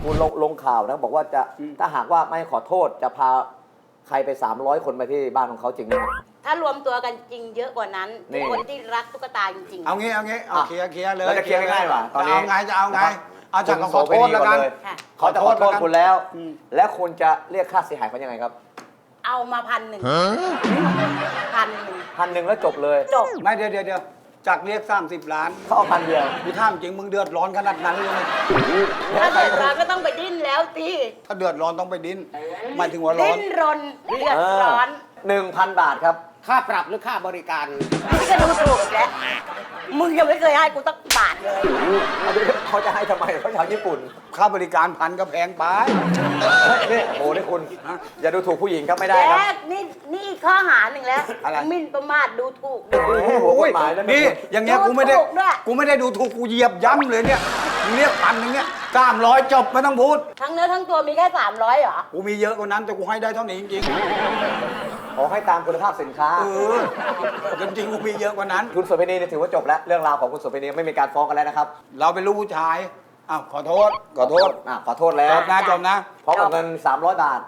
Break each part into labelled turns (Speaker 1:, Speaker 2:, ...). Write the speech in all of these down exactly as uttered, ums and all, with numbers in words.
Speaker 1: คุณลงลงข่าวนะบอกว่าจะถ้าหากว่าไม่ขอโทษจะพาใครไปสามร้อยคนไปที่บ้านของเขาจริงไหม
Speaker 2: ถ้ารวมตัวกันจริงเยอะกว่านั้น
Speaker 1: นี่
Speaker 2: คนที่รักตุ๊กตาจริงๆ
Speaker 3: เอางี้เอางี้เอาเคลียร์เคลียร์เลย
Speaker 1: เราจะเคลียร์ง่ายๆว่ะตอนนี้
Speaker 3: จะเอาไงจะเอาไงเอาจาก
Speaker 1: คุณ
Speaker 3: ขอโทษแล้วกัน
Speaker 1: โสเภณี
Speaker 2: ค่ะ
Speaker 1: เขาจะขอโทษคุณแล้ว
Speaker 3: อืม
Speaker 1: แล้วคุณจะเรียกค่าเสียหายเขายังไงครับ
Speaker 2: เอามาพันหนึ่งพันหนึ่ง
Speaker 1: พันหนึ่งแล้วจบเลย
Speaker 2: จบ
Speaker 3: ไม่เดี๋ยวเดี๋ยวเดี๋ยวจากเรียกสามสิบล้าน
Speaker 1: เขาเอาพันเดียว
Speaker 3: กูถามจริงมึงเดือดร้อนขนาดนั้นเลย
Speaker 2: ถ้าเดือดร้อนก็ต้องไปดิ้นแล้วสิ
Speaker 3: ถ้าเดือดร้อนต้องไปดิ้นหมายถึงว่าร้อ
Speaker 2: ดิ้
Speaker 3: น
Speaker 2: นรนเดือดร้อน
Speaker 1: หนึ่งพันบาทครับ
Speaker 4: ค่าปรับหรือค่าบริการ
Speaker 2: นี่ก็ดูถูกอีกแล้วมึงยังไม่เคยให้กูตั้งบาทเลย
Speaker 1: เขาจะให้ทำไมเขาชาวญี่ปุ่น
Speaker 3: ค่าบริการพันก็แพงไป
Speaker 1: นี่โอ้นี่คุณ อย่าดูถูกผู้หญิงครับไม่ได้ครับ
Speaker 2: แจ๊คนี่นี่อีกข้อหาหนึ่งแล้ว
Speaker 3: อะไร
Speaker 2: หมิ่นประมาทดูถูก
Speaker 1: โอ้โหหัวกฎหมายแล้ว
Speaker 3: นี่อย่างเงี้ยกูไม่ได้
Speaker 2: ดูถูกด้วย
Speaker 3: กูไม่ได้ดูถูกกูเหยียบย้ำเลยเนี่ยมึงเรียกพันหนึงเนี่ยสามร้อยจบไม่ต้องพูด
Speaker 2: ทั้งเนื้อทั้งตัวมีแค่สามร้อยเหรอ
Speaker 3: กูมีเยอะกว่านั้นแต่กูให้ได้เท่านี้จริง
Speaker 1: ขอให้ตามคุณภาพสินค้า
Speaker 3: ๆเออจริงๆกูมีเยอะกว่านั้น
Speaker 1: คุณโสเภณีเนี่ยถือว่าจบแล้ว เรื่องราวของคุณโสเภณีไม่มีการฟ้องกันแล้วนะครับ
Speaker 3: เราเป็นลูกผู้ชายอ้าวขอโทษขอโทษ
Speaker 1: อ่ะขอโทษแล้ว
Speaker 3: จบนะจบนะ
Speaker 1: พร้อมกับเงินสามร้อยบาท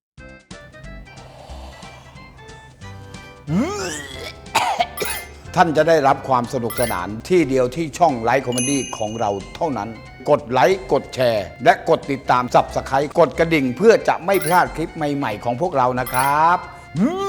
Speaker 3: ท่านจะได้รับความสนุกสนานที่เดียวที่ช่องไลฟ์คอมเมดี้ของเราเท่านั้น กดไลค์กดแชร์ และกดติดตามสับสไครต์กดกระดิ่งเพื่อจะไม่พลาดคลิปใหม่ๆของพวกเรานะครับ